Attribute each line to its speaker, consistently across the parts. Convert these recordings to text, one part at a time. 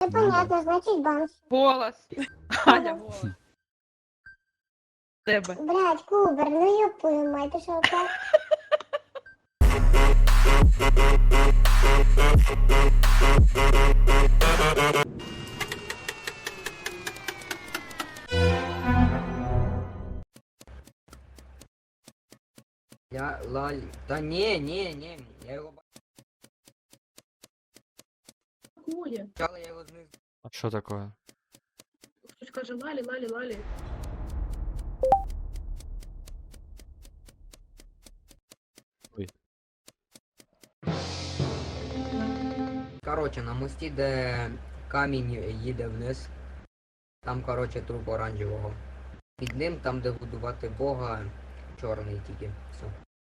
Speaker 1: Ну, понятно, значить банш.
Speaker 2: Голос. Аня, голос. Тебе.
Speaker 1: Блядь, Кубер, ну ёб твою мать, ти що, так?
Speaker 3: Я лалі. Та ні, я його
Speaker 4: Такое.
Speaker 3: бачила, я його знизу.
Speaker 5: А що таке?
Speaker 4: Хтось каже лалі, лалі, лалі.
Speaker 3: Коротше, на мості, де камінь їде вниз, там, коротше, труп оранжевого. Під ним, там, де будувати Бога, чорний тільки. Все.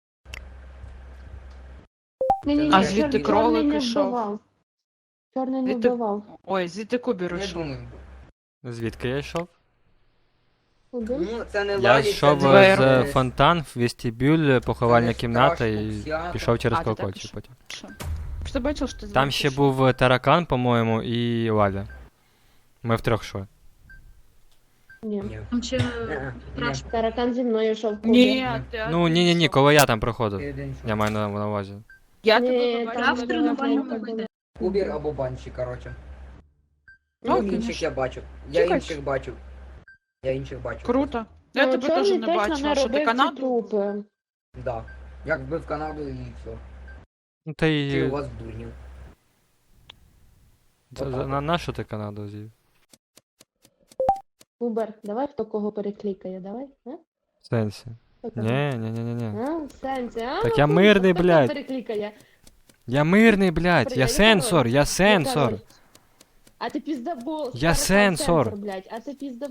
Speaker 2: А
Speaker 3: А
Speaker 2: звідти
Speaker 3: чорний
Speaker 2: кролик
Speaker 6: не
Speaker 2: ішов.
Speaker 6: вбивав. Чорний не
Speaker 2: Звідти-
Speaker 6: вбивав.
Speaker 2: Ой, звідти Кубір
Speaker 3: Я
Speaker 2: ішов.
Speaker 3: думаю.
Speaker 5: Звідки я йшов?
Speaker 6: Куди?
Speaker 3: Ну, це не
Speaker 5: Я
Speaker 3: лалі,
Speaker 5: йшов
Speaker 3: це
Speaker 2: Двері.
Speaker 5: з фонтан в вестибюль, поховальна
Speaker 3: не
Speaker 5: кімната
Speaker 3: страшно,
Speaker 5: і
Speaker 3: всяко.
Speaker 5: пішов через
Speaker 2: А, ти так
Speaker 5: колокольчик
Speaker 2: пішов?
Speaker 5: потім.
Speaker 2: Що? Що ти бачив, що ти
Speaker 5: Там ще
Speaker 2: звідти
Speaker 5: був таракан, по-моєму, і Валя. Ми втрьох йшли.
Speaker 6: Ні.
Speaker 3: Ні.
Speaker 4: Там ще
Speaker 3: Ні.
Speaker 4: страшно.
Speaker 6: Таракан зі мною йшов.
Speaker 2: йшов? Ні, ти
Speaker 5: Ну,
Speaker 2: один
Speaker 5: ні,
Speaker 2: йшов.
Speaker 5: коли я там проходив.
Speaker 3: Ти один що?
Speaker 5: Я маю на увазі.
Speaker 2: Я
Speaker 6: Ні,
Speaker 2: тебе
Speaker 6: там
Speaker 2: побачила.
Speaker 4: в
Speaker 6: не
Speaker 4: тренувальному
Speaker 6: було.
Speaker 4: буде.
Speaker 3: Кубір або банші, коротше.
Speaker 2: Ну,
Speaker 3: Ну, інших
Speaker 2: конечно.
Speaker 3: я бачу. Я
Speaker 2: Чекай.
Speaker 3: інших бачу. Я інших бачу.
Speaker 2: Круто. Я
Speaker 6: Ну,
Speaker 2: тебе
Speaker 6: чорний
Speaker 2: теж не
Speaker 6: точно
Speaker 2: бачила, що ти
Speaker 6: робив ці
Speaker 2: Канаду.
Speaker 6: трупи.
Speaker 3: Да. Як вбив Канаду і все.
Speaker 5: Ну та
Speaker 3: Чи
Speaker 5: й...
Speaker 3: у вас дурнів?
Speaker 5: На що ти Канаду з'їв?
Speaker 6: Кубер, давай хто кого переклікає, давай. А?
Speaker 5: В сенсі?
Speaker 6: Хто кого?
Speaker 5: Ні.
Speaker 6: А, в сенсі, а?
Speaker 5: Так я
Speaker 6: Ну,
Speaker 5: мирний,
Speaker 6: хто кого
Speaker 5: блядь.
Speaker 6: переклікає?
Speaker 5: Я мирний, блядь, я
Speaker 6: Я
Speaker 5: сенсор,
Speaker 6: король.
Speaker 5: я сенсор.
Speaker 6: король. А ти піздабол.
Speaker 5: Я сенсор.
Speaker 6: Блядь, а ти піздаб...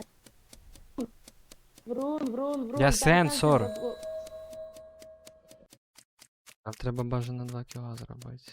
Speaker 6: Врун.
Speaker 5: Я
Speaker 6: таракан
Speaker 5: сенсор.
Speaker 6: піздабол.
Speaker 5: Нам треба бажано 2 кіла зробити.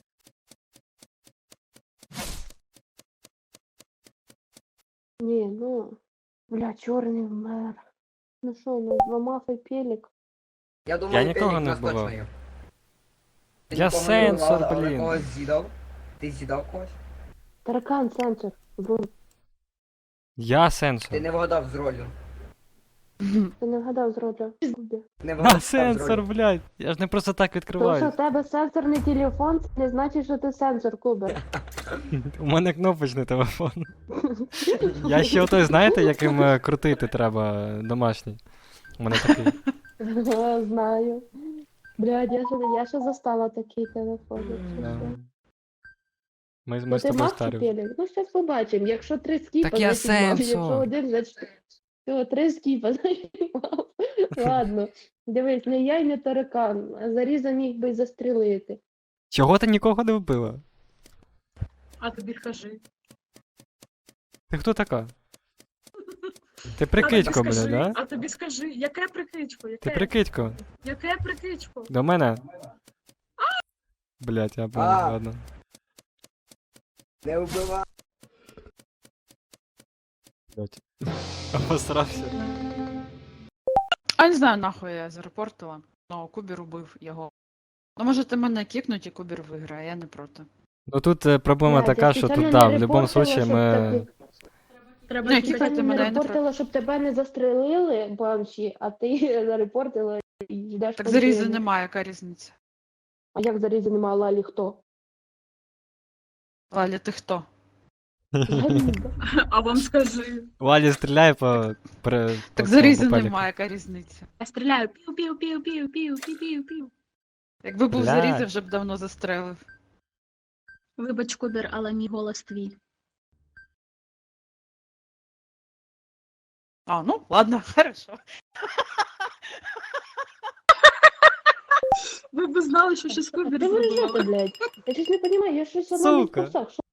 Speaker 6: Ні, ну... Бля, чорний вмер. Ну що, ну зламав і пелік.
Speaker 3: Я думаю,
Speaker 5: нікого
Speaker 3: Пелік
Speaker 5: не
Speaker 3: нас точно
Speaker 5: вбивав.
Speaker 3: є. Ти
Speaker 5: Я
Speaker 3: нікого не
Speaker 5: сенсор,
Speaker 3: вбивав, але
Speaker 5: блін.
Speaker 3: когось з'їдав? Ти з'їдав когось?
Speaker 6: Таракан, сенсор. Врун.
Speaker 5: Я сенсор.
Speaker 3: Ти не вгадав з ролью.
Speaker 6: Ти не вгадав з роду.
Speaker 3: Не
Speaker 5: Я
Speaker 3: вгадав з
Speaker 5: сенсор,
Speaker 3: ролью.
Speaker 5: блядь. Я ж не просто так
Speaker 6: Тому що
Speaker 5: відкриваю.
Speaker 6: в тебе сенсорний телефон, це не значить, що ти сенсор, Кубер.
Speaker 5: У мене кнопочний телефон. Я ще отой, знаєте, яким крутити треба домашній. У мене такий.
Speaker 6: Знаю. Блядь, я ще застала такий телефон. якщо
Speaker 5: Да.
Speaker 6: що.
Speaker 5: Ми
Speaker 6: Ну
Speaker 5: з
Speaker 6: ти
Speaker 5: тобою
Speaker 6: мав чи
Speaker 5: старі.
Speaker 6: пелік? Ну щас побачимо. Якщо 3 скіпа,
Speaker 5: Так я
Speaker 6: значить мав.
Speaker 5: сенсор.
Speaker 6: Якщо один, значить... Всього 3 скіпа, значить мав. Ладно. Дивись, не я й не таракан. А Заріза міг би й застрілити.
Speaker 5: Чого ти нікого не вбила?
Speaker 4: А тобі кажи.
Speaker 5: Ти хто така? Ти прикидько,
Speaker 4: скажи,
Speaker 5: блядь, да?
Speaker 4: А тобі скажи, яке прикидько?
Speaker 5: Ти
Speaker 4: Яке?
Speaker 5: прикидько.
Speaker 4: Яке прикидько?
Speaker 5: До мене? Блядь, я понял,
Speaker 3: А.
Speaker 5: ладно.
Speaker 3: Не вбивав.
Speaker 5: Блядь. Обосрався.
Speaker 2: А не знаю, нахуй я зарепортила. Ну, Кубір убив його. Ну, можете мене кікнуть і Кубір виграє, я не проти.
Speaker 5: Ну тут проблема
Speaker 6: Блядь,
Speaker 5: така,
Speaker 6: я
Speaker 5: що тут,
Speaker 6: спеціально
Speaker 5: да,
Speaker 6: не
Speaker 5: в будь-якому
Speaker 6: репортила,
Speaker 5: случае
Speaker 6: щоб
Speaker 5: ми...
Speaker 6: тебе-
Speaker 4: Треба
Speaker 2: Ну,
Speaker 4: тільки-
Speaker 2: які
Speaker 6: Я
Speaker 2: мене
Speaker 6: не
Speaker 2: не
Speaker 6: репортила, щоб тебе не застрелили, банші, а ти зарепортила і йдеш.
Speaker 2: Так
Speaker 6: по
Speaker 2: зарізи
Speaker 6: ділу.
Speaker 2: немає, яка різниця?
Speaker 6: А як зарізи немає Лалі хто?
Speaker 2: Лаля, ти хто?
Speaker 6: Заліза.
Speaker 4: А вам скажи.
Speaker 5: Валі стріляє по...
Speaker 2: Так зарізи
Speaker 5: по пеліку.
Speaker 2: немає, яка різниця?
Speaker 4: Я стріляю. Пів-пів-пів-пів-пів-пів-пів.
Speaker 2: Якби був
Speaker 5: Блядь.
Speaker 2: зарізи, вже б давно застрелив.
Speaker 4: Вибач, Кубер, але мій голос твій.
Speaker 2: А, ну, ладно, хорошо.
Speaker 4: Ви б знали, що щось Кубер
Speaker 6: Де ви ржете,
Speaker 4: зробила.
Speaker 6: блядь? Я щось не розумію, я щось одна не в
Speaker 5: Сука.
Speaker 6: курсах. Що?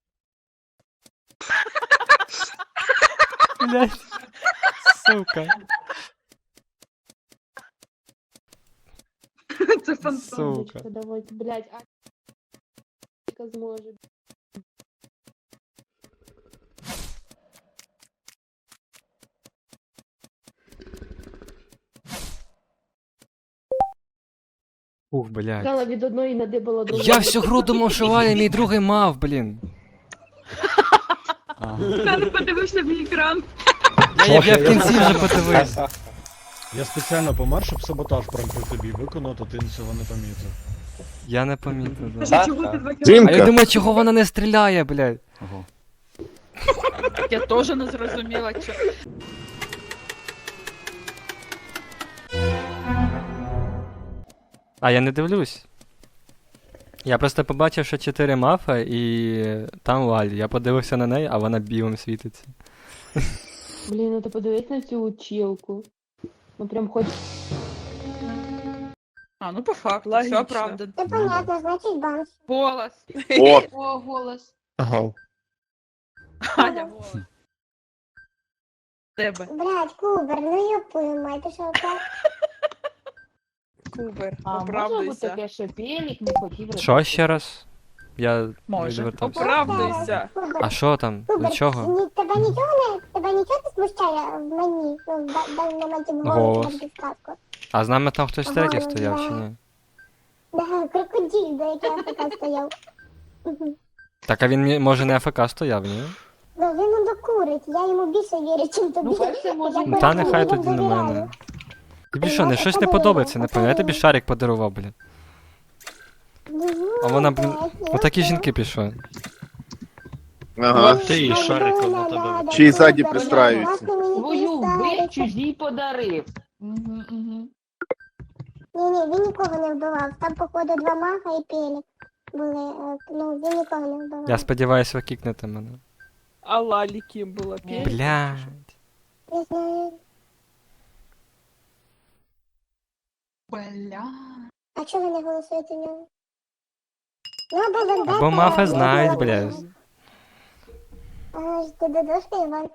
Speaker 5: Блядь. Сука.
Speaker 4: Це фантом.
Speaker 5: Сука.
Speaker 6: Давайте, блядь, а зможе.
Speaker 5: Ух, блядь.
Speaker 6: Кала від одної надибала другу.
Speaker 5: Я всю гру думав, що Валя мій другий мав, блін.
Speaker 4: Та подивився мій екран.
Speaker 5: Я в кінці вже подивився.
Speaker 7: Я спеціально помер, щоб саботаж прям при тобі виконати, ти цього не помітив.
Speaker 5: Я не помітив. Да.
Speaker 4: Чого ти 2
Speaker 5: А я
Speaker 8: Дімка,
Speaker 5: думаю, чого вона не стріляє, блядь.
Speaker 2: Я теж не зрозуміла, що.
Speaker 5: А я не дивлюсь. Я просто побачив, що 4 мафа і там Лалі. Я подивився на неї, а вона білим світиться.
Speaker 6: Блін, ну ти подивись на цю училку. Ну прям хоч.
Speaker 2: А, ну по факту,
Speaker 9: Логічно.
Speaker 2: все оправдано.
Speaker 1: Це понятно, значить Банші.
Speaker 2: Голос.
Speaker 8: о,
Speaker 4: О, голос.
Speaker 7: Ага.
Speaker 2: Аня, голос. Тебе.
Speaker 1: Блядь, Кубер, ну ёпую мать, ти що так?
Speaker 9: Кубер,
Speaker 6: А може бути
Speaker 9: оправдуйся.
Speaker 6: таке, що Пелік не хотів
Speaker 5: Що ще раз? Я
Speaker 2: Може.
Speaker 5: відвертався.
Speaker 9: Оправдуйся.
Speaker 1: Кубер,
Speaker 5: А що там? До
Speaker 1: Кубер,
Speaker 5: чого?
Speaker 1: тебе нічого не смущає в мені? Ну, на моменті
Speaker 5: Голос.
Speaker 1: на підсказку.
Speaker 5: А з нами там хтось третій
Speaker 1: Ага,
Speaker 5: стояв чи
Speaker 1: да.
Speaker 5: ні?
Speaker 1: Да, крокодил, до якого АФК стояв. Мгм.
Speaker 5: Так, а він може не АФК стояв, ні?
Speaker 1: Ну, він не докурить, я йому більше вірю, чим тобі.
Speaker 6: Ну, перше, може,
Speaker 1: Я
Speaker 6: Ну,
Speaker 5: Та
Speaker 1: просто
Speaker 5: нехай
Speaker 1: людям
Speaker 5: тоді на
Speaker 1: довіряю.
Speaker 5: мене. Тобі що, не щось не подобається, не пам'ятаю, я тобі шарик подарував, блін. А вона, блін, отакі жінки пішли.
Speaker 8: ага.
Speaker 7: Ти і шариком на тебе.
Speaker 8: Чи й ззаді пристраюються.
Speaker 6: Свою вбив, чужій подарив. Угу, угу.
Speaker 1: Ні, він нікого не вбивав. Там, походу, 2 маха і пелік були. Ну, він нікого не вбивав.
Speaker 5: Я сподіваюся, ви кікнете мене.
Speaker 9: А Лалі ким була? Пель?
Speaker 5: Блядь.
Speaker 1: Не знаю.
Speaker 4: Бля.
Speaker 1: А чого ви не голосуєте в нього? Ну, або Вендетта,
Speaker 5: Бо мафи
Speaker 1: або
Speaker 5: знають,
Speaker 1: Білорус.
Speaker 5: блядь.
Speaker 1: А, ти додошка, Іван?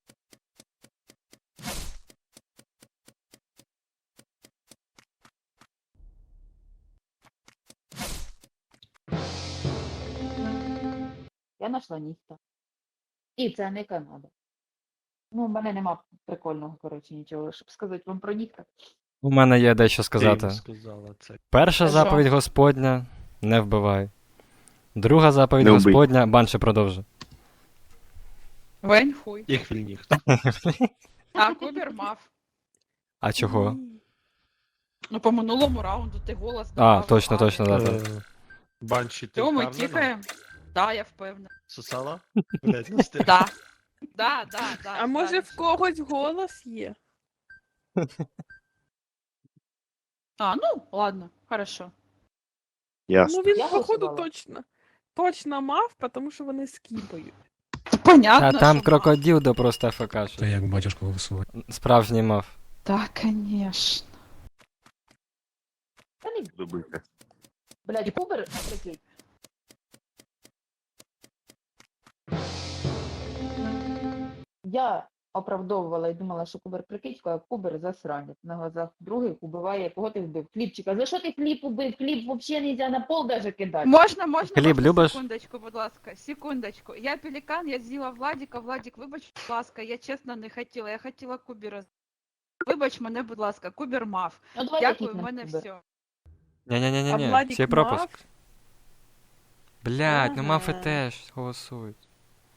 Speaker 6: Я знайшла ніхто. І це не Канада. Ну, в мене нема прикольного, коротше, нічого, щоб сказати вам про ніхто.
Speaker 5: У мене є дещо
Speaker 7: Ти
Speaker 5: сказати.
Speaker 7: їм сказала це.
Speaker 5: Перша
Speaker 2: Що?
Speaker 5: заповідь Господня — не вбивай. Друга заповідь
Speaker 8: Не вбий.
Speaker 5: Господня — банше продовжуй.
Speaker 2: Вень хуй.
Speaker 7: Їх вільніх.
Speaker 2: А Кубер мав.
Speaker 5: А чого?
Speaker 2: Ну, по минулому раунду ти голос
Speaker 5: А,
Speaker 2: давав.
Speaker 5: точно, да.
Speaker 7: Банші, ти
Speaker 2: Чому ми
Speaker 7: впевнена?
Speaker 2: кікаємо? Да, я впевнена.
Speaker 7: Сосала? Блядь, не встиг.
Speaker 2: Да. Да.
Speaker 9: А може в когось голос є?
Speaker 2: А, ну, ладно, хорошо.
Speaker 8: Ясно.
Speaker 9: Ну він,
Speaker 6: Я
Speaker 9: походу,
Speaker 6: голосувала.
Speaker 9: точно мав, тому що вони скіпають.
Speaker 2: Понятно,
Speaker 5: А там
Speaker 2: що
Speaker 5: крокодил, да просто АФК.
Speaker 7: Та як батюшку голосувати.
Speaker 5: Справжній мав.
Speaker 2: мав. Так, конечно.
Speaker 6: Та не,
Speaker 8: Любите.
Speaker 6: блядь, Кубер, прикинь. Я оправдовувала і думала, що Кубер прикидько, а Кубер засранець. На глазах других убиває, кого ти вбив? Хлібчика. За що ти хліб убив? Хліб взагалі нельзя на пол даже кидати.
Speaker 2: Можна,
Speaker 5: Хліб любиш?
Speaker 2: секундочку, будь ласка, секундочку. Я пелікан, я з'їла Владіка. Владік, вибач, будь ласка, я чесно не хотіла, я хотіла Кубера. Вибач мене, будь ласка, Кубер мав.
Speaker 6: Ну, давай
Speaker 2: Дякую, в
Speaker 6: кікнемо
Speaker 2: мене
Speaker 6: Кубер.
Speaker 2: все.
Speaker 9: А
Speaker 5: Ні-ні-ні-ні,
Speaker 9: Владік
Speaker 5: цей пропуск.
Speaker 9: мав?
Speaker 5: Блядь, ну мафи
Speaker 9: Ага.
Speaker 5: теж голосують.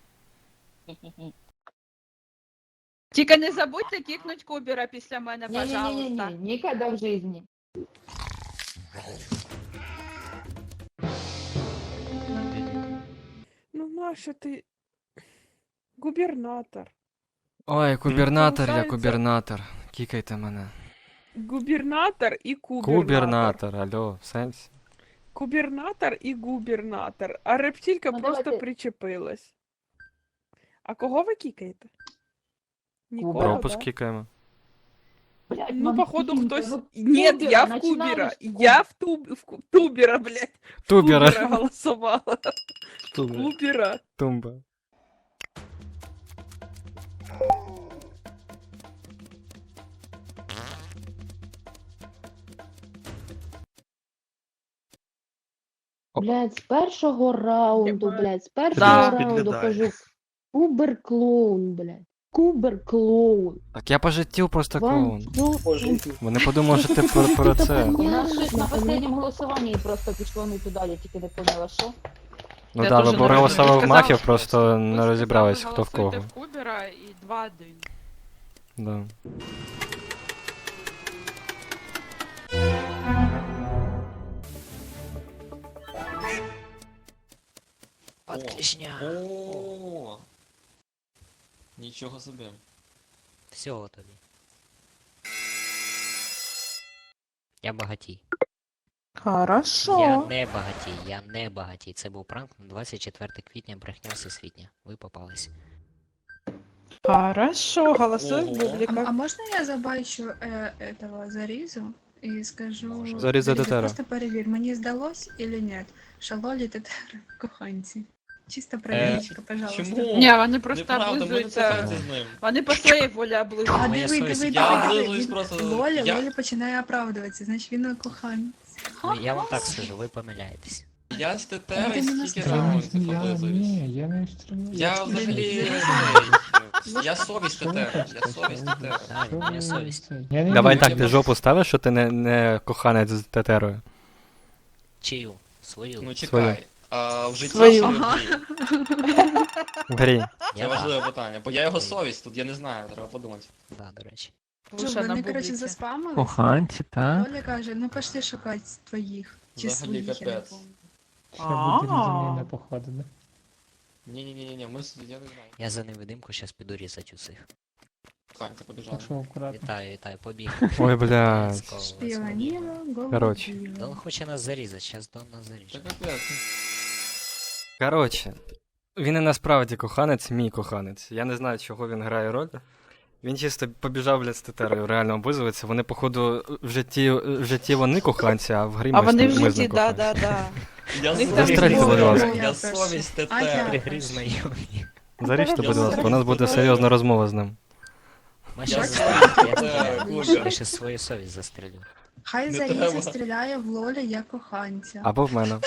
Speaker 2: Тільки не забудьте кікнуть Кубера після мене, пожалуйста.
Speaker 6: Не-не-не, никогда в жизни.
Speaker 9: Ну нащо ти? Губернатор.
Speaker 5: Ой, губернатор, я
Speaker 9: Получається-
Speaker 5: губернатор. Кікайте мене.
Speaker 9: Губернатор і кубернатор.
Speaker 5: Губернатор, алло, в сенсі.
Speaker 9: Губернатор і губернатор. А рептилька
Speaker 6: Ну,
Speaker 9: просто
Speaker 6: давайте.
Speaker 9: причепилась. А кого ви кікаєте? Нікого,
Speaker 6: Кубера.
Speaker 5: Пропуск
Speaker 9: да?
Speaker 5: кікаємо.
Speaker 6: Блядь,
Speaker 9: Ну,
Speaker 6: мам,
Speaker 9: походу,
Speaker 6: Кубера,
Speaker 9: хтось.
Speaker 6: ну,
Speaker 9: Нет,
Speaker 6: Кубера,
Speaker 9: я в
Speaker 6: начинаем
Speaker 9: Кубера.
Speaker 6: с
Speaker 9: Я в Тубера, блядь. В
Speaker 5: Тубера.
Speaker 9: Кубера голосувала. Кубера.
Speaker 5: Тумба.
Speaker 6: Блядь, з першого раунду,
Speaker 9: Єбать.
Speaker 6: блядь, з першого
Speaker 2: Да.
Speaker 6: раунду
Speaker 7: Підглядає.
Speaker 6: кажу. Кубер-клоун, блядь. Кубер-клоун.
Speaker 5: Так я по життю просто
Speaker 6: Вам
Speaker 5: клоун. Вони подумали, що ти про це.
Speaker 6: У нас щось на останньому голосуванні просто пішло не туди, я тільки не поняла, що.
Speaker 5: Ну
Speaker 2: Я
Speaker 5: да,
Speaker 2: теж
Speaker 5: ви
Speaker 2: не
Speaker 5: проголосували в
Speaker 2: розумію.
Speaker 5: мафію,
Speaker 2: Сказали,
Speaker 5: просто
Speaker 2: Ви
Speaker 5: не
Speaker 2: сказали,
Speaker 5: розібрались, хто в
Speaker 2: голосуйте
Speaker 5: кого.
Speaker 2: в Кубера і 2-1.
Speaker 5: Да.
Speaker 10: Отличня.
Speaker 11: О, нічого собі.
Speaker 10: Всього тобі. Я багатій.
Speaker 9: Хорошо.
Speaker 10: Я не багатій. Це був пранк на 24 квітня, брехня всесвітня. Ви попались.
Speaker 9: Хорошо, голосуй
Speaker 11: Ого.
Speaker 9: Бублика.
Speaker 12: А можно я забачу этого Зарізу і скажу...
Speaker 5: Заріза Тетера.
Speaker 12: Просто перевір, мені здалось или нет, що Лолі Тетера коханці. Чисто проверочка, пожалуйста.
Speaker 11: Чому?
Speaker 2: Ні, вони просто
Speaker 11: Неправда, ми не
Speaker 2: облизуються.
Speaker 11: коханці з ним.
Speaker 2: Вони по своїй волі облизуються.
Speaker 12: А
Speaker 10: Моя
Speaker 12: диви,
Speaker 10: совість.
Speaker 12: диви,
Speaker 11: Я
Speaker 12: диви,
Speaker 11: облизуюсь
Speaker 12: диви.
Speaker 11: просто.
Speaker 12: Лолі починає оправдуватися, значить він коханець.
Speaker 10: Ну, я вам так скажу, ви помиляєтесь.
Speaker 11: Я з Тетери
Speaker 12: Ти мене
Speaker 11: стільки
Speaker 12: сказав.
Speaker 11: раундів облизуюсь.
Speaker 7: я не стрімлю.
Speaker 11: Я взагалі... Я совість Тетери. Я совість Тетери.
Speaker 10: Так, моя совість.
Speaker 5: Давай так, ти жопу ставиш, що ти не коханець з тетерою.
Speaker 10: Чию? Свою.
Speaker 11: Ну
Speaker 5: Свою.
Speaker 11: чекай. А в житті
Speaker 9: Свою.
Speaker 11: чи в грі?
Speaker 5: В грі.
Speaker 11: Це
Speaker 10: Я
Speaker 11: важливе питання, бо я його совість, тут я не знаю, треба подумати.
Speaker 10: Да, до речі.
Speaker 2: Лучше на
Speaker 12: Вони, коротше,
Speaker 2: бубліки.
Speaker 12: заспамились.
Speaker 7: Коханці, так?
Speaker 12: Лоля каже, ну пошли шукати твоїх. Чи
Speaker 11: Взагалі
Speaker 12: своїх, я не
Speaker 11: капець.
Speaker 12: пам'ятаю.
Speaker 7: походу, да?
Speaker 11: Ні, ми я не знаю.
Speaker 10: Я за невидимку щас піду різати усіх.
Speaker 11: Коханці побіжали.
Speaker 7: акуратно.
Speaker 10: Вітаю, побіг.
Speaker 5: Ой, блядь.
Speaker 10: Let's go, let's go.
Speaker 12: Шпіоніла,
Speaker 5: Коротше.
Speaker 10: Дон хоче нас зарізати, щас Дон нас
Speaker 11: Це
Speaker 10: заріже.
Speaker 11: капець.
Speaker 5: Коротше, він і насправді коханець, мій коханець. Я не знаю, чого він грає роль. Він чисто побіжав, блядь, з тетерою, реально облизується. Вони, походу, в житті вони коханці, а в грі
Speaker 2: А
Speaker 5: ми
Speaker 2: вони в
Speaker 5: з ним
Speaker 2: житті,
Speaker 5: коханці.
Speaker 2: да.
Speaker 11: Я
Speaker 2: Них там
Speaker 5: Застрельте, будь ласка.
Speaker 11: Я совість
Speaker 12: А
Speaker 11: Тетери.
Speaker 12: я?
Speaker 10: Гри знайомі.
Speaker 5: Заріжте, будь
Speaker 11: Я
Speaker 5: ласка, у нас буде серйозна розмова з ним.
Speaker 10: Маша,
Speaker 11: Я
Speaker 10: я
Speaker 11: Кубер.
Speaker 10: ще свою совість застрелю.
Speaker 12: Хай
Speaker 11: Не
Speaker 12: Заріза
Speaker 11: треба.
Speaker 12: стріляє в Лолі як коханця.
Speaker 5: Або в мене.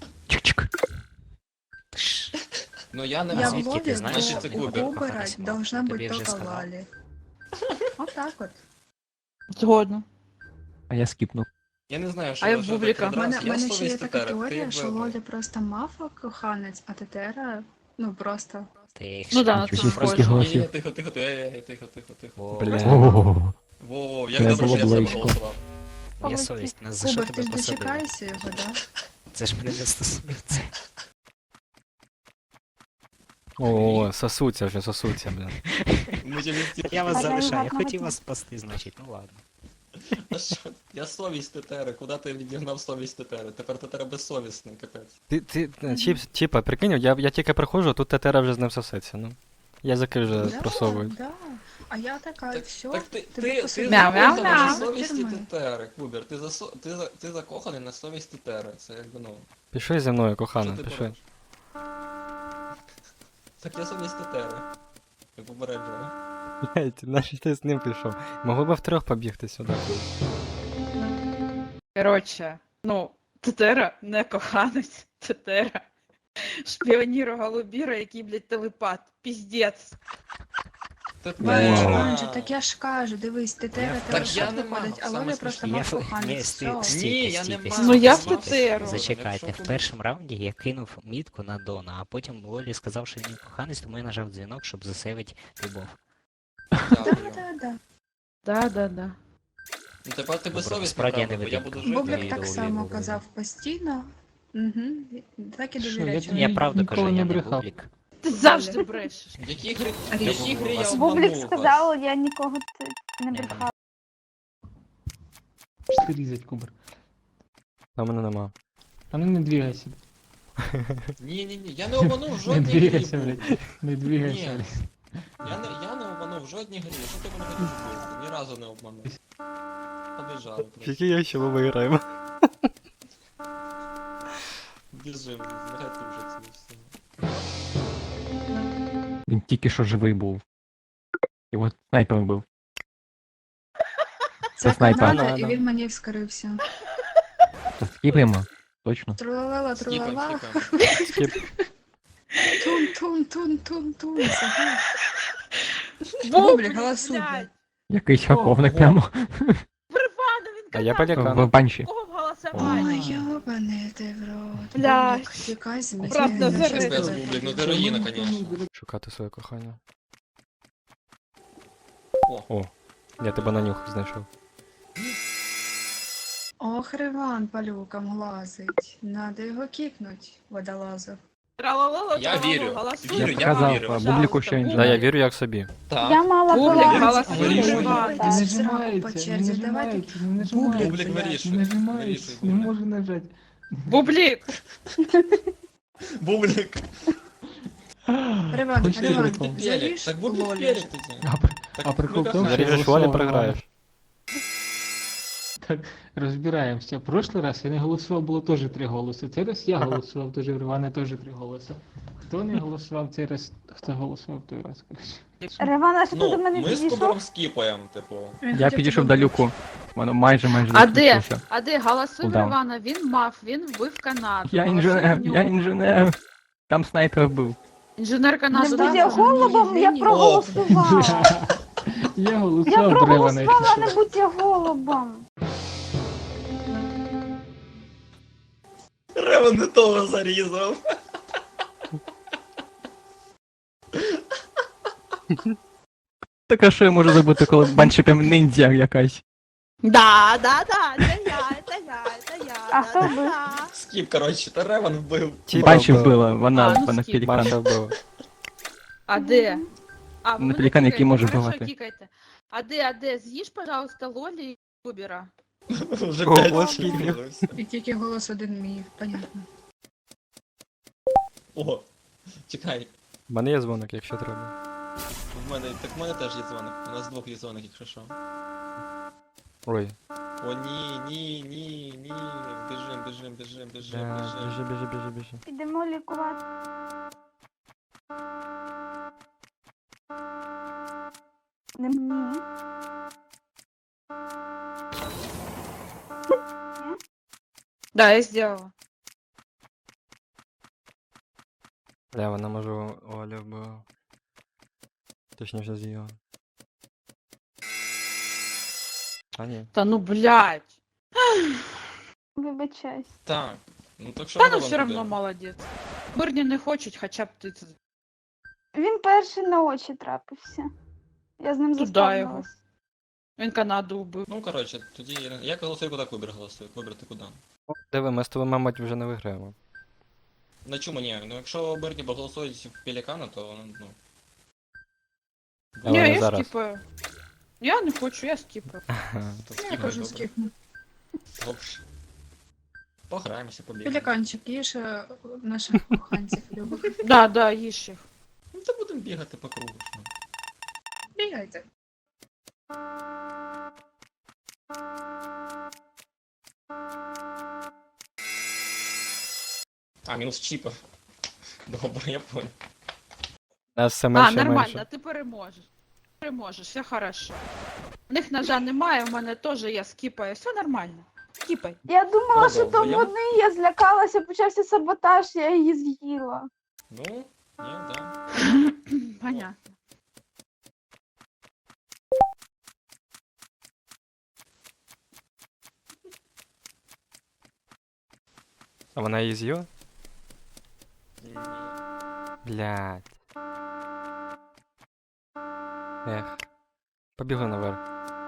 Speaker 11: Ну я не
Speaker 12: Я в
Speaker 10: звідки ти
Speaker 12: Лолі
Speaker 10: знаєш,
Speaker 11: що це
Speaker 12: у
Speaker 11: Кубер?
Speaker 12: Кубера
Speaker 10: Коханець мав.
Speaker 12: должна
Speaker 10: Тобі
Speaker 12: бути
Speaker 10: вже
Speaker 12: тільки
Speaker 10: сказав.
Speaker 12: Лолі. Отак от.
Speaker 2: Згодно.
Speaker 7: А я скіпнув.
Speaker 11: Я не знаю, що
Speaker 2: А я в
Speaker 11: що
Speaker 2: Бубліка.
Speaker 11: таке
Speaker 12: У мене,
Speaker 11: раз.
Speaker 12: в
Speaker 11: Я
Speaker 12: мене ще є
Speaker 11: совість
Speaker 12: така
Speaker 11: Тетери.
Speaker 12: теорія,
Speaker 11: Ти
Speaker 12: що
Speaker 11: в-
Speaker 12: Лолі просто мафа коханець, а Тетера, ну просто.
Speaker 10: Ти їх
Speaker 2: Ну
Speaker 10: ще
Speaker 2: да,
Speaker 10: не
Speaker 2: це
Speaker 10: чув.
Speaker 2: схоже.
Speaker 11: Ні, тихо, тихо.
Speaker 10: О,
Speaker 5: Блядь.
Speaker 11: Во, як
Speaker 7: Це
Speaker 11: добре,
Speaker 7: було
Speaker 11: що я себе
Speaker 7: близько.
Speaker 11: голосував.
Speaker 10: Моя совість, нас за що
Speaker 12: Кубер, ти
Speaker 10: тебе
Speaker 12: ж
Speaker 10: посадили?
Speaker 12: дочекаєшся його, да?
Speaker 10: Це ж мене не стосується.
Speaker 5: О, сосуться вже, сосуться, блядь.
Speaker 11: Ми через ті-
Speaker 10: Я вас
Speaker 1: Бажаю
Speaker 10: залишаю, я
Speaker 1: гарного
Speaker 10: хотів
Speaker 1: дня.
Speaker 10: вас спасти, значить, ну ладно.
Speaker 11: А що? Я совість Тетери, куди ти відігнав совість Тетери? Тепер Тетера безсовісний, капець.
Speaker 5: Чіпа, прикинь, я тільки приходжу, тут тетера вже з ним сосеться, ну. Язики вже
Speaker 12: Да,
Speaker 5: просовують.
Speaker 12: да. А я така,
Speaker 11: Так,
Speaker 12: все,
Speaker 11: так ти
Speaker 12: тебе посадили.
Speaker 2: Мяу-мяу-мяу.
Speaker 11: на
Speaker 12: До
Speaker 11: совісті
Speaker 12: тюрми.
Speaker 11: Тетери, Кубер, ти закоханий на совість Тетери, це якби ну.
Speaker 5: Пішли зі мною,
Speaker 11: Що
Speaker 5: кохана,
Speaker 11: ти
Speaker 5: пішли.
Speaker 11: поробиш? Так я совість Тетери. Я попереджую.
Speaker 5: Блять, нащо ти з ним пішов? Могли б втрьох побігти сюди.
Speaker 2: Коротше, ну, Тетера не коханець, Тетера. Шпіоніру Голубіра, який, блядь, телепат. Піздець.
Speaker 11: Тетера.
Speaker 12: Манже, так я ж кажу, дивись, Тетера
Speaker 11: Так
Speaker 12: тебе
Speaker 11: я
Speaker 12: що
Speaker 11: не
Speaker 12: виходить,
Speaker 11: мав,
Speaker 12: а
Speaker 11: саме
Speaker 12: Лоля просто
Speaker 11: смішне.
Speaker 12: мав
Speaker 10: Ні,
Speaker 12: коханець.
Speaker 10: стій,
Speaker 12: Все.
Speaker 10: стій.
Speaker 11: Ні, я не
Speaker 10: стійте,
Speaker 11: мав.
Speaker 2: Ну, я в
Speaker 10: стійте.
Speaker 2: Тетеру.
Speaker 10: Зачекайте,
Speaker 11: Якщо
Speaker 10: в першому раунді я кинув мітку на Дона, а потім Лолі сказав, що він коханець, тому я нажав дзвінок, щоб засейвити любов.
Speaker 11: Дякую.
Speaker 2: Да.
Speaker 11: Ну тепер ти безсовісний,
Speaker 10: Справді я
Speaker 11: правда,
Speaker 10: не
Speaker 11: бо я
Speaker 10: видим.
Speaker 11: буду жити.
Speaker 12: Бублик
Speaker 10: Ні,
Speaker 12: так
Speaker 10: добре,
Speaker 12: само
Speaker 10: добре.
Speaker 12: казав постійно. Угу. Так і
Speaker 7: Що,
Speaker 12: довіряю.
Speaker 7: я
Speaker 12: чоловіку.
Speaker 10: Я правду кажу,
Speaker 7: ніколи
Speaker 10: я
Speaker 7: не
Speaker 10: не
Speaker 7: брехав.
Speaker 10: бублік.
Speaker 2: Ти завжди брешеш.
Speaker 11: В якій грі
Speaker 10: Бублик
Speaker 11: я
Speaker 1: Бублік
Speaker 11: обманув вас?
Speaker 1: сказав, я нікого не
Speaker 10: Не
Speaker 1: брехав.
Speaker 7: Ти різать, Кубер.
Speaker 5: А мене нема.
Speaker 7: А ну не двигайся.
Speaker 11: Ні, я не обманув в
Speaker 7: Не
Speaker 11: жодній грі.
Speaker 7: двигайся,
Speaker 11: Бублик.
Speaker 7: блядь. Не двигайся,
Speaker 11: Ні.
Speaker 7: блядь.
Speaker 11: Я не обманув в жодній грі. Що ти мене хотів зробити? Ні разу не обманув. Побіжали просто.
Speaker 5: Який я ще ми виграємо?
Speaker 11: Біжим, згадайте вже це все.
Speaker 7: Він тільки що живий був. Його снайпером був.
Speaker 12: Це
Speaker 7: снайпер.
Speaker 12: Канада, і
Speaker 5: Да.
Speaker 12: він мені вскрився.
Speaker 7: Скіпаємо. Точно.
Speaker 12: Трулала,
Speaker 11: Скіпаємо,
Speaker 12: трулала.
Speaker 11: скіпаємо.
Speaker 12: Тун. Сага.
Speaker 2: Бублик,
Speaker 12: голосуй.
Speaker 2: блядь.
Speaker 7: Якийсь хаковник прямо
Speaker 2: Бривано, він
Speaker 5: А я
Speaker 2: казав,
Speaker 5: полякан.
Speaker 7: в банші.
Speaker 2: кого в голосах голосовать.
Speaker 12: Ой, ёбаный ты в рот.
Speaker 2: Блядь.
Speaker 12: Бублик, фига себе.
Speaker 2: Брат
Speaker 12: тебе
Speaker 2: Назарет.
Speaker 12: ничего
Speaker 11: Без
Speaker 12: сказать.
Speaker 11: бублик, ну героїна, конечно.
Speaker 5: Шукати своє кохання.
Speaker 11: О.
Speaker 5: О, я тебе на нюх знайшов.
Speaker 12: Ох, Риван по люкам лазить. Надо його кікнуть, водолазу.
Speaker 2: Тралалала,
Speaker 11: Я
Speaker 2: тралалу,
Speaker 11: вірю.
Speaker 2: голосуй.
Speaker 11: Вірю, я
Speaker 7: Казав,
Speaker 11: вірю.
Speaker 7: Бубліку ще
Speaker 2: Пожалуйста,
Speaker 5: Да, я
Speaker 7: інженер.
Speaker 5: вірю як собі.
Speaker 11: Так.
Speaker 1: Я мала
Speaker 2: Бублик,
Speaker 1: була.
Speaker 2: голосуй,
Speaker 11: Вирішуй.
Speaker 2: Іван.
Speaker 12: Не нажимається, по черзі, давайте.
Speaker 11: Бублик вирішує. Вирішуй, Бублик.
Speaker 7: нажати.
Speaker 2: Бублик.
Speaker 11: Бублик.
Speaker 12: Риван,
Speaker 7: Хочете
Speaker 12: Риван,
Speaker 7: прикол?
Speaker 12: заріж
Speaker 11: Так Бублик
Speaker 12: Лолі.
Speaker 11: пелік тоді.
Speaker 7: А прикол в тому, що
Speaker 5: Заріжеш волі, програєш.
Speaker 13: Так, розбираємося. В прошлий раз я не голосував, було теж 3 голоси. Цей раз я голосував, теж в Ривана теж 3 голоси. Хто не голосував цей раз, хто голосував той раз, коротше.
Speaker 1: Ривана, що ти
Speaker 11: Ну,
Speaker 1: до мене
Speaker 11: ми з
Speaker 1: підійшов?
Speaker 11: Кубером скіпаємо, типу.
Speaker 4: Я підійшов до люку. Воно майже
Speaker 2: А де?
Speaker 4: закінчився.
Speaker 2: А де? Голосуй в
Speaker 4: Куда?
Speaker 2: Івана, він вбив Канаду.
Speaker 4: Я
Speaker 2: Голосуй
Speaker 4: інженер,
Speaker 2: в нього.
Speaker 4: я інженер. Там снайпер був.
Speaker 2: Інженер Канаду.
Speaker 1: Не
Speaker 2: да?
Speaker 1: будь голубом, я проголосувала.
Speaker 13: Я
Speaker 1: Я
Speaker 13: голосував до Ривана, якщо
Speaker 1: проголосувала,
Speaker 13: що.
Speaker 1: не будь голубом.
Speaker 11: Ревен не того зарізав.
Speaker 4: Так а що я можу зробити, коли баншиком ніндзя якась?
Speaker 2: Да, це я.
Speaker 1: А хто вбив?
Speaker 11: Скіп, коротше, та Ревен вбив.
Speaker 4: Банші вбила,
Speaker 2: А,
Speaker 4: вона
Speaker 2: ну,
Speaker 4: на
Speaker 2: скіп.
Speaker 4: пелікан.
Speaker 5: Банша вбила.
Speaker 2: А де? А, ви
Speaker 4: Ну,
Speaker 2: мене
Speaker 4: пелікан, який
Speaker 2: кікаєте,
Speaker 4: може
Speaker 2: хорошо,
Speaker 4: вбивати.
Speaker 2: кікайте. А де? З'їж, пожалуйста, Лолі і Кубера.
Speaker 11: Вже
Speaker 5: О,
Speaker 11: 5
Speaker 5: ось
Speaker 11: скіпів.
Speaker 12: І тільки голос один мій, понятно.
Speaker 11: О, чекай.
Speaker 5: У мене є дзвоник, якщо треба.
Speaker 11: В мене теж є дзвоник. У нас двох є дзвоник, якщо що.
Speaker 5: Ой.
Speaker 11: О, ні. Біжим.
Speaker 5: Біжи.
Speaker 1: Підемо лікувати. Не мені.
Speaker 2: Да, я сделала.
Speaker 5: Бля, вона може Оля вбила. Точніше з'їла. А ні.
Speaker 2: Та ну, блядь.
Speaker 1: Вибачайся.
Speaker 11: Так. Ну так що
Speaker 2: Та ну
Speaker 11: Ревен
Speaker 2: все равно
Speaker 11: туди?
Speaker 2: молодець. Мирні не хочуть, хоча б ти.
Speaker 1: Він перший на очі трапився. Я з ним
Speaker 2: Туда його.
Speaker 1: заспавнилась.
Speaker 2: Він Канаду вбив.
Speaker 11: Ну, коротше, тоді я голосую, куди Кубер голосує. Кубер, ти куди?
Speaker 5: Диви, ми з тобою, мабуть, вже не виграємо.
Speaker 11: На чому ні? Ну якщо Берні голосують в Пелікана, то ну.
Speaker 5: Але
Speaker 2: Ні,
Speaker 5: не
Speaker 2: я
Speaker 5: зараз.
Speaker 2: скіпаю. Я не хочу, я скіпаю.
Speaker 11: То
Speaker 12: Я
Speaker 11: скіпай,
Speaker 12: кажу,
Speaker 11: добре.
Speaker 12: скіпну.
Speaker 11: Добре. Пограємося, побігаємо.
Speaker 12: Пеліканчик, їж наших коханців любих.
Speaker 2: Да, їж їх.
Speaker 11: Ну то будемо бігати по кругу. що.
Speaker 12: Бігайте.
Speaker 11: А, мінус чіпа. Добре, я понял.
Speaker 5: Нас все менше і
Speaker 2: Нормально,
Speaker 5: менше.
Speaker 2: ти переможеш. Переможеш, все хорошо. У них ножа немає, у мене теж я скіпаю, все нормально. Скіпай.
Speaker 1: Я думала, що то
Speaker 11: Продовжуємо.
Speaker 1: вони, я злякалася, почався саботаж, я її з'їла.
Speaker 11: Ну, ні, да.
Speaker 2: Понятно.
Speaker 5: А вона її з'їла?
Speaker 11: Ні.
Speaker 5: Блядь. Ех. Побігли наверх.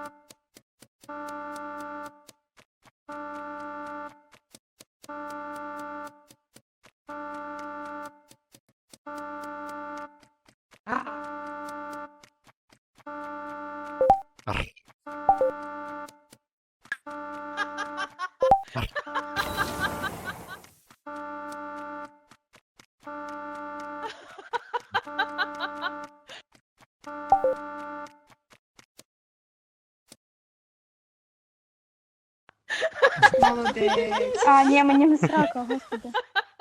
Speaker 5: Ар.
Speaker 12: Молодець.
Speaker 1: А, ні, мені не срака, господи.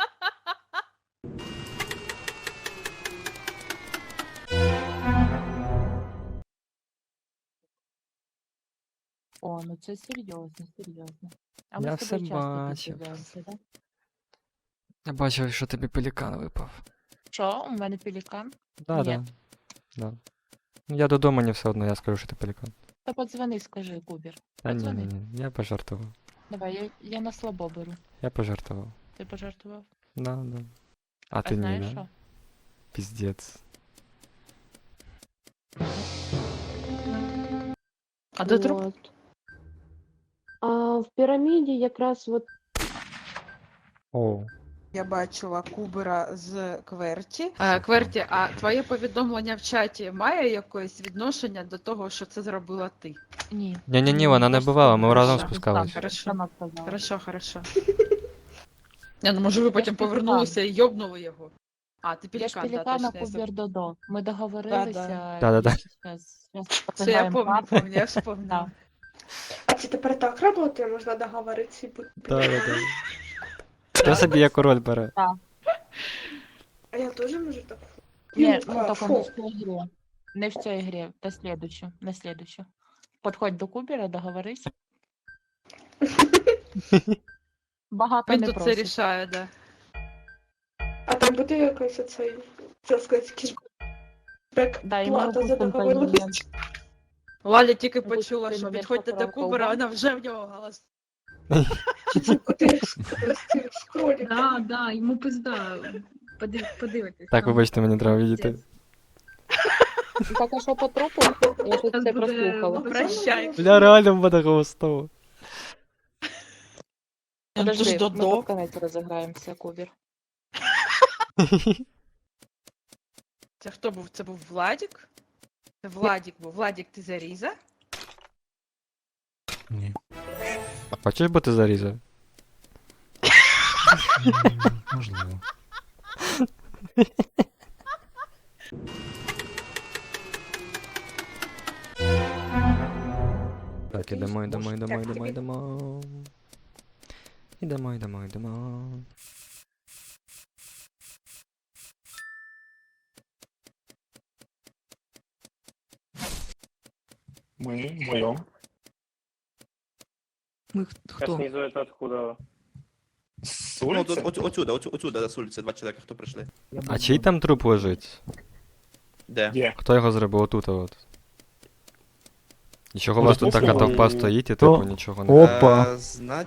Speaker 9: О, ну це серйозно. А
Speaker 5: Я все бачив.
Speaker 9: да?
Speaker 5: Я бачив, що тобі пелікан випав.
Speaker 9: Що, у мене пелікан?
Speaker 5: Да. Да. Ну, я додому не все одно, я скажу, що ти пелікан.
Speaker 9: Та подзвони, скажи, Кубер.
Speaker 5: Та ні,
Speaker 9: Подзвони.
Speaker 5: я пожартував.
Speaker 9: Давай, я на слабо беру.
Speaker 5: Я пожартував.
Speaker 9: Ти пожартував?
Speaker 5: Да. А ти ні,
Speaker 9: знаєш
Speaker 5: да?
Speaker 9: що?
Speaker 5: Піздець.
Speaker 2: А де труп?
Speaker 6: От. А в піраміді якраз от
Speaker 5: О.
Speaker 14: Я бачила Кубера з Кверті.
Speaker 2: Кверті, а твоє повідомлення в чаті має якесь відношення до того, що це зробила ти?
Speaker 9: Ні.
Speaker 5: Ні, вона не бувала, ми разом
Speaker 2: Хорошо.
Speaker 5: спускались.
Speaker 2: Хорошо. Я, ну, може, ви потім повернулися і йобнули його. А, ти
Speaker 9: Я ж
Speaker 2: пелікан, да,
Speaker 9: пелікана
Speaker 2: точно.
Speaker 9: Кубер Додо. Ми договорилися.
Speaker 5: Да.
Speaker 9: Щас
Speaker 2: Все, я помню, я вспомнила.
Speaker 12: А це тепер так працює, можна договоритися і бути.
Speaker 5: Да. Хто собі як король бере?
Speaker 12: А я теж можу так.
Speaker 9: Ні, ну тільки не в цій грі. Не в цій грі, на слідущу. Подходь до Кубера, договорись. Багато
Speaker 2: Він
Speaker 9: не
Speaker 2: тут це
Speaker 9: просить.
Speaker 2: рішає, да.
Speaker 12: А там буде якась оцей, це сказати, кішбек
Speaker 9: Да, і ми
Speaker 12: плата за
Speaker 9: опустимо той
Speaker 12: договорились.
Speaker 9: момент.
Speaker 2: Валя тільки
Speaker 9: Опустимо
Speaker 2: почула,
Speaker 9: той
Speaker 2: що
Speaker 9: момент
Speaker 2: підходьте до
Speaker 9: поправку.
Speaker 2: Кубера, вона вже в нього голос.
Speaker 12: Да, йому пизда. Подивитись.
Speaker 5: Так, вибачте, мені треба відійти.
Speaker 6: так, а що по трупу? Я щось це прослухала.
Speaker 2: Прощай.
Speaker 5: Бля, реально в мене голосово.
Speaker 6: Подожди,
Speaker 2: Додо.
Speaker 6: ми під конець розіграємося, Кубер.
Speaker 2: Це хто був? Це був Владік? Це Владік був. Владік, ти заріза?
Speaker 4: Ні.
Speaker 5: А хочеш бути зарізав?
Speaker 4: Можливо.
Speaker 5: Так, ідемо. Ідемо.
Speaker 7: Ми вдвоєм.
Speaker 4: Ми хто?
Speaker 8: это откуда?
Speaker 7: З
Speaker 8: Ну,
Speaker 7: вулиці?
Speaker 8: отсюда, с улицы, два человека, кто пришли.
Speaker 5: А чий там труп лежить?
Speaker 8: Де?
Speaker 7: Є.
Speaker 5: Хто його зробив? Отут от. І чого у
Speaker 7: Може,
Speaker 5: вас тут така
Speaker 7: послухали?
Speaker 5: товпа стоїть і
Speaker 4: То-
Speaker 5: типу нічого не...
Speaker 4: Опа.
Speaker 8: Знать,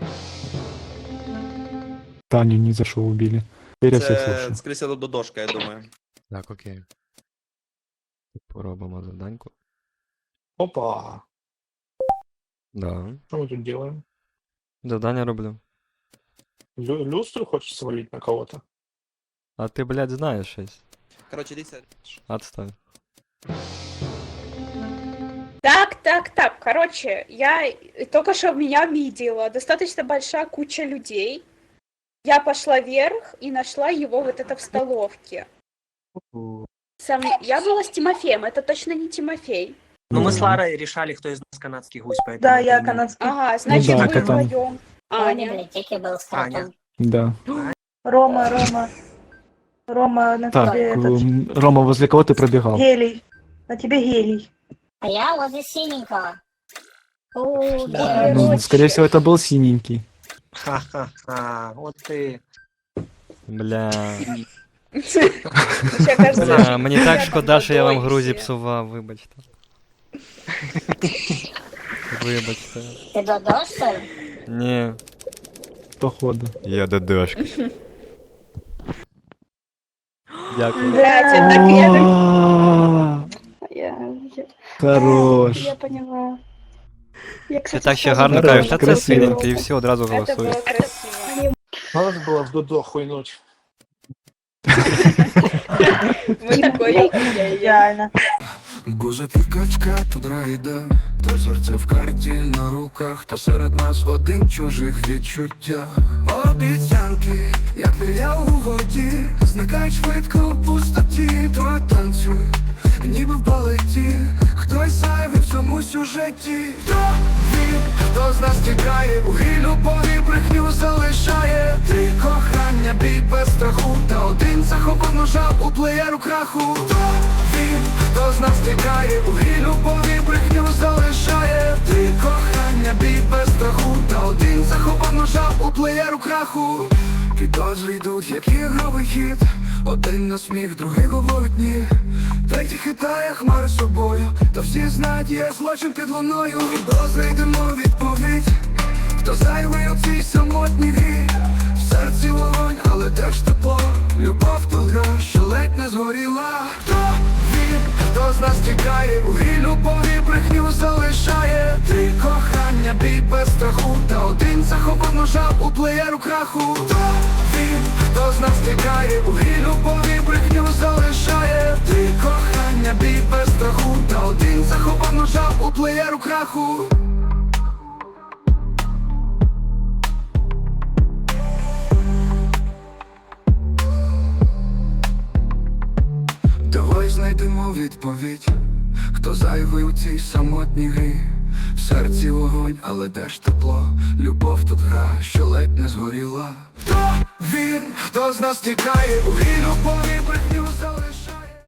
Speaker 4: Таню не за що убили. Теперь я всех слушаю.
Speaker 8: скорее всего, додошка, я думаю.
Speaker 5: Так, окей. Поробимо заданьку.
Speaker 7: Опа.
Speaker 5: Да.
Speaker 7: Що ми тут делаем?
Speaker 5: Завдання роблю.
Speaker 7: Люстру хочешь свалить на кого-то?
Speaker 5: А ти, блядь, знаєш щось.
Speaker 8: Короче, дивіться.
Speaker 5: Отстань.
Speaker 12: Так. Короче, я только что меня видела. Достаточно большая куча людей. Я пошла вверх и нашла его вот это в столовке. Я была с Тимофеем, это точно не Тимофей.
Speaker 15: Ну, мы с Ларой решали, кто из нас канадский гусь, поэтому...
Speaker 12: Да, я
Speaker 15: это
Speaker 12: канадский. Ага, значит,
Speaker 4: да,
Speaker 12: вы
Speaker 4: это там.
Speaker 12: вдвоем. Аня.
Speaker 15: Аня.
Speaker 4: Да.
Speaker 12: Рома, на
Speaker 4: Так, Рома, возле кого ты пробегал?
Speaker 12: гелий. На тебе гелий.
Speaker 1: А я возле синенького.
Speaker 4: Ну, скорее всего, это был синенький.
Speaker 15: Ха-ха-ха, вот ты.
Speaker 5: Бля.
Speaker 12: Мне кажется,
Speaker 5: Бля, мені так
Speaker 12: я
Speaker 5: шкода,
Speaker 12: там
Speaker 5: що я вам
Speaker 12: водой
Speaker 5: гру
Speaker 12: все.
Speaker 5: зіпсував, вибачте. Вибачте.
Speaker 1: Ти додо, що ли?
Speaker 5: Ні.
Speaker 4: Походу.
Speaker 5: Я додошка. Дякую.
Speaker 12: Блядь, я так
Speaker 4: Хорош.
Speaker 12: я поняла.
Speaker 5: Ти так ще гарно
Speaker 4: Хорош,
Speaker 5: кажеш, та це
Speaker 4: красиво.
Speaker 5: синенький, і всі одразу
Speaker 12: Это
Speaker 5: голосують.
Speaker 12: было красиво.
Speaker 7: Надо было в Додо хуйнуть.
Speaker 12: Мы такой идеально.
Speaker 16: Гузик і качка тут райде, та серце в карті на руках, та серед нас один чужих відчуття. Обіцянки, як біля у воді, зникають швидко в пустоті, то танцюй, ніби в балеті, хтось зайвий в цьому сюжеті. Хто він, хто з нас тікає, у грі любові брехню залишає. Три кохання, бій без страху, та один захопив ножа у плеєру краху. Хто він, хто з нас тікає, у грі любові брехню залишає. Три кохання, бій без страху, та один захопив ножа у плеєру краху. Підозри йдуть, як ігровий хід, один на сміх, другий говорить ні. Третій хитає хмари собою, та всі знають, є злочин під луною. Підозри йдемо відповідь, хто зайвий у цій самотній грі. В серці вогонь, але де ж тепло? Любов то гра, що ледь не згоріла. Хто він, хто з нас тікає, у грі любові брехню залишає. Три кохання, бій без страху, та один захопив ножа у плеєру краху. Хто він, хто з нас тікає, у грі любові брехню залишає. Три кохання, бій без страху, та один захопив ножа у плеєру краху. Давай знайдемо відповідь, хто зайвий у цій самотній грі. В серці вогонь, але де ж тепло? Любов тут гра, що ледь не згоріла. Хто він, хто з нас тікає, у грі любові брехню